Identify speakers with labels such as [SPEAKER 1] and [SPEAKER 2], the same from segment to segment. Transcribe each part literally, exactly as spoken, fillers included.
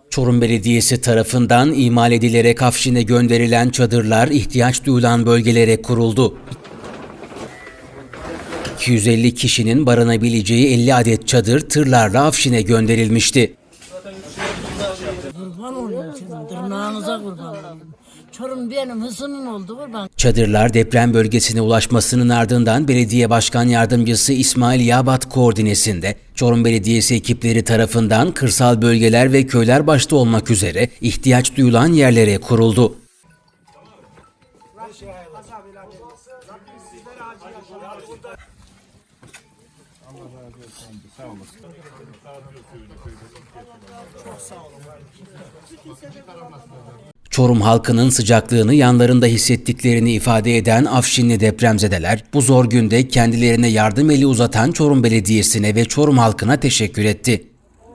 [SPEAKER 1] Çorum Belediyesi tarafından imal edilerek Afşin'e gönderilen çadırlar ihtiyaç duyulan bölgelere kuruldu. iki yüz elli kişinin barınabileceği elli adet çadır tırlarla Afşin'e gönderilmişti.
[SPEAKER 2] Kurban olayım sizin tırnağınıza kurban olayım. Çorum benim hısımım oldu kurban.
[SPEAKER 1] Çadırlar deprem bölgesine ulaşmasının ardından Belediye Başkan Yardımcısı İsmail Yabat koordinesinde Çorum Belediyesi ekipleri tarafından kırsal bölgeler ve köyler başta olmak üzere ihtiyaç duyulan yerlere kuruldu. Çorum halkının sıcaklığını yanlarında hissettiklerini ifade eden Afşinli depremzedeler bu zor günde kendilerine yardım eli uzatan Çorum Belediyesi'ne ve Çorum halkına teşekkür etti.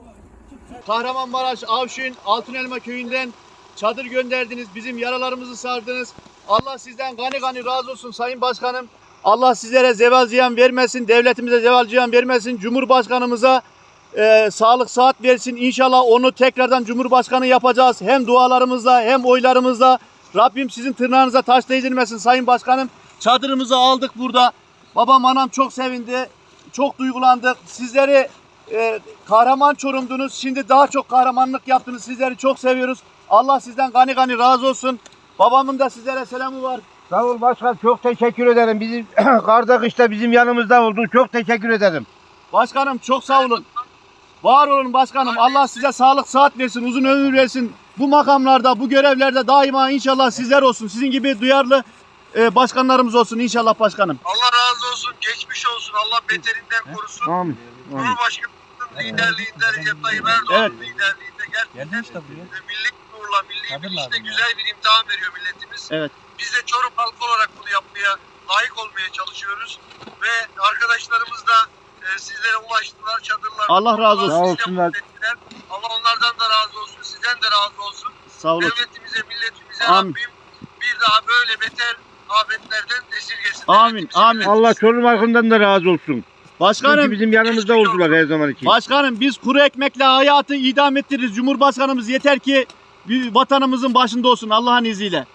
[SPEAKER 3] Kahramanmaraş, Afşin, Altınelma köyünden çadır gönderdiniz, bizim yaralarımızı sardınız. Allah sizden gani gani razı olsun Sayın Başkanım. Allah sizlere zeval ziyan vermesin, devletimize zeval ziyan vermesin, Cumhurbaşkanımıza e, sağlık sıhhat versin. İnşallah onu tekrardan Cumhurbaşkanı yapacağız. Hem dualarımızla hem oylarımızla. Rabbim sizin tırnağınıza taş değdirmesin Sayın Başkanım. Çadırımızı aldık burada. Babam anam çok sevindi, çok duygulandık. Sizleri e, kahraman Çorum'dunuz. Şimdi daha çok kahramanlık yaptınız. Sizleri çok seviyoruz. Allah sizden gani gani razı olsun. Babamın da sizlere selamı var.
[SPEAKER 4] Sağ ol başkan, çok teşekkür ederim. Bizim karda kışta bizim yanımızda oldun. Çok teşekkür ederim.
[SPEAKER 3] Başkanım çok sağ olun. Var olun başkanım. Allah size sağlık sıhhat versin, uzun ömür versin. Bu makamlarda, bu görevlerde daima inşallah sizler olsun. Sizin gibi duyarlı e, başkanlarımız olsun inşallah başkanım.
[SPEAKER 5] Allah razı olsun, geçmiş olsun. Allah beterinden korusun.
[SPEAKER 4] Amin.
[SPEAKER 5] Cumhurbaşkanımızın liderliğinde, Recep Tayyip Erdoğan'ın
[SPEAKER 3] Evet.
[SPEAKER 5] liderliğinde gerçekten milli gururla, milli bilinçle güzel bir imtihan veriyor milletimiz.
[SPEAKER 3] Evet.
[SPEAKER 5] Biz de Çorum halkı olarak bunu yapmaya, layık olmaya çalışıyoruz. Ve arkadaşlarımız da e, sizlere ulaştılar, çadırlar.
[SPEAKER 3] Allah razı olsun.
[SPEAKER 4] Sağ olsunlar.
[SPEAKER 5] Allah onlardan da razı olsun, sizden de razı olsun.
[SPEAKER 3] Sağ olun.
[SPEAKER 5] Devletimize, milletimize
[SPEAKER 3] Amin.
[SPEAKER 5] Rabbim bir daha böyle beter afetlerden esirgesin.
[SPEAKER 3] Amin,
[SPEAKER 5] Devletimize,
[SPEAKER 3] amin.
[SPEAKER 5] milletimize.
[SPEAKER 4] Allah Çorum halkından da razı olsun. Çünkü
[SPEAKER 3] Başkanım,
[SPEAKER 4] bizim yanımızda oldular her zaman için.
[SPEAKER 3] başkanım biz kuru ekmekle hayatı idam ettiririz. Cumhurbaşkanımız yeter ki bir vatanımızın başında olsun Allah'ın izniyle.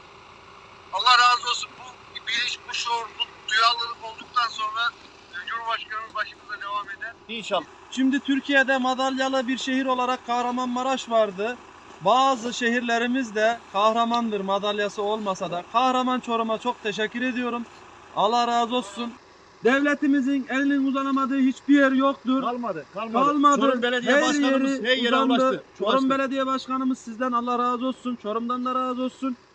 [SPEAKER 5] Allah razı olsun. Bu bilinç, bu şuur, bu duyarlılık olduktan sonra e, Cumhurbaşkanımız başımıza devam eder.
[SPEAKER 3] İnşallah.
[SPEAKER 6] Şimdi Türkiye'de madalyalı bir şehir olarak Kahramanmaraş vardı. Bazı şehirlerimiz de kahramandır madalyası olmasa da. Kahraman Çorum'a çok teşekkür ediyorum. Allah razı olsun. Devletimizin elinin uzanamadığı hiçbir yer yoktur.
[SPEAKER 3] Kalmadı, kalmadı.
[SPEAKER 6] Kalmadı.
[SPEAKER 3] Çorum Belediye
[SPEAKER 6] Her
[SPEAKER 3] Başkanımız
[SPEAKER 6] yeri
[SPEAKER 3] her yere
[SPEAKER 6] uzandı.
[SPEAKER 3] ulaştı.
[SPEAKER 6] Çorum
[SPEAKER 3] Ulaştı.
[SPEAKER 6] Belediye Başkanımız sizden Allah razı olsun. Çorum'dan da razı olsun.